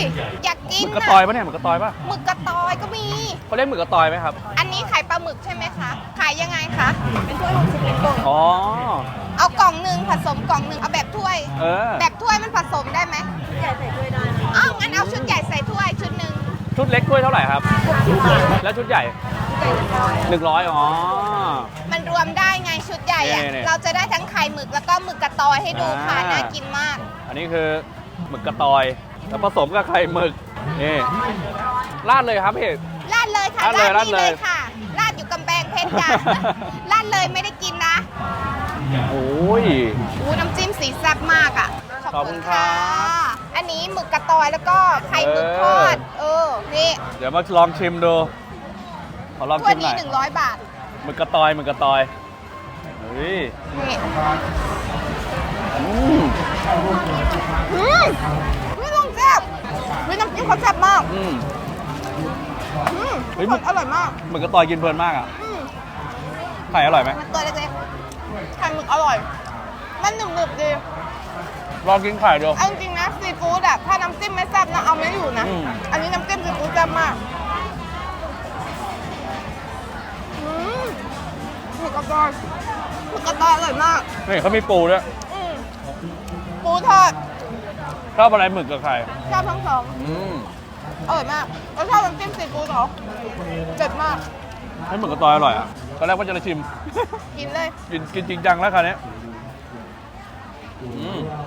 อยากกินหมึกกระตอยปะเนี่ยหมึกกระตอยปะหมึกกระตอยก็มีเขาเรียกหมึกกระตอยไหมครับอันนี้ขายปลาหมึกใช่ไหมคะ ขายยังไงคะ เป็นถ้วย60เป็นกล่องอ๋อเอากล่องหนึ่งผสมกล่องหนึ่งเอาแบบถ้วยเออแบบถ้วยมันผสมได้ไหมใหญ่ใส่ถ้วยได้อ้าวงั้นเอาชุดใหญ่ใส่ถ้วยชุดหนึ่งชุดเล็กถ้วยเท่าไหร่ครับ แล้วชุดใหญ่100อ๋อมันรวมได้ไงชุดใหญ่อะนี่เราจะได้ทั้งไข่หมึกแล้วก็หมึกกระตอยให้ดูค่ะ น่ากินมากอันนี้คือหมึกกระตอยแล้วผสมกับไข่หมึกนี่ราดเลยครับพี่ลาดเลยค่ะราดเลยนี่ค่ะลาดอยู่กำแพงเพชร จ้ะ ลาดเลยไม่ได้กินนะโอ้ยอู้น้ำจิ้มสีแซ่บมากอ่ะขอบคุณครับอันนี้หมึกกระตอยแล้วก็ไข่หมึกทอด นี่เดี๋ยวมาลองชิมดูขอลองถ้วชิยมหน่นี้อย 100 บาทหมึกกระตอยหมึกกระตอยเฮ้ยนี่อืมไม่ต้องแซ่บน้ำจิ้มเขาแซ่บมากอืม เฮ้ทุยกคนอร่อยมากหมึกกระตอยกินเพลินมากอ่ะอืมไข่อร่อยไหมมันตัวเล็กๆไข่หมึกอร่อย มันหนึบๆดีลองกินไข่ดูเอาจริงๆนะซีฟู้ดอะถ้าน้ำจิ้มไม่แซ่บนะเอาไม่อยู่นะอืมอันนี้น้ำจิ้มซีฟู้ดแซ่บมากหมึกกระตอยอร่อยมากนี่เขามีปูด้วยอืมปูทอดชอบอะไรหมึกกับไข่ชอบทั้งสองอืมอร่อยมากแล้วชอบน้ำจิ้มซีฟู้ดเหรอเด็ดมากให้หมึกกระตอยอร่อยอ่ะตอนแรกว่าจะชิมกินเลยกินจริงจังแล้วคราวนี้อืม